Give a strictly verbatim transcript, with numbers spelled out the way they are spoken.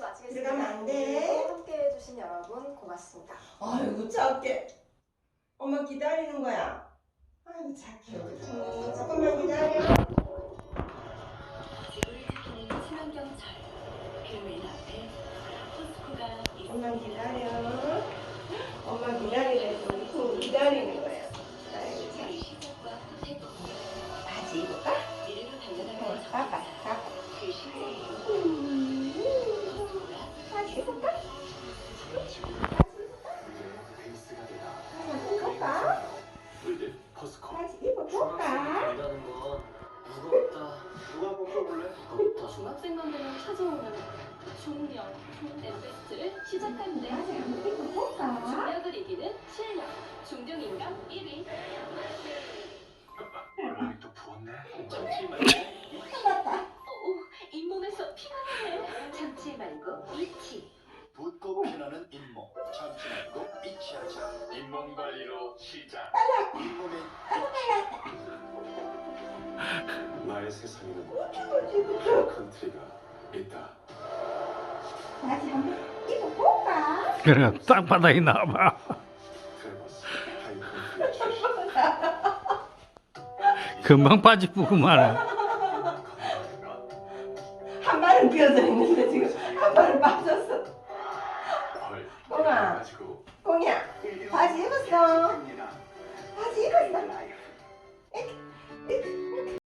마치겠습니다. 들어가면 안 돼. 함께 해주신 여러분 고맙습니다. 아이고 작게. 엄마 기다리는 거야. 아이고 착해. 음, 조금만 기다려. 지구를 지키는 친환경철 그 앞에 포스코가 엄마 기다려. 엄마 기다리래도 우리 기다리는 거야. 아이고 참. 시작과 태도 바지 입을까? 미래로 어, 달려나가는 가봐, 가봐. 그 심장이 음, 바지 입을까? 베이스가 되다. 한번 볼까? 물들 포스코. 바지 입어볼까? 된다는 건 무겁다. 누가 뽑아볼래? 무겁다. 중학생분들은 찾아오는 중력, 엠베스트를 시작하는데 바지 한번 입어볼까? 중력을 이기는 실력, 중등인간 일 위. 얼굴이 또 부었네. 잠시만. 오, 잇몸에서 피가 나네. 참지 말고 잊지. 붓고 피나는 잇몸. 참지 말고 잊지 하자. 잇몸 관리로 시작. 잇몸의 나의 세상에는 컨트리가 있다. 바지 한번 입어볼까? 그래 땅바닥에 나와봐. 트레버스 하이컨트리 출신. 금방 빠지 뿌구만. 한 발은 비어져 있는데 지금 한 발은 빠졌어.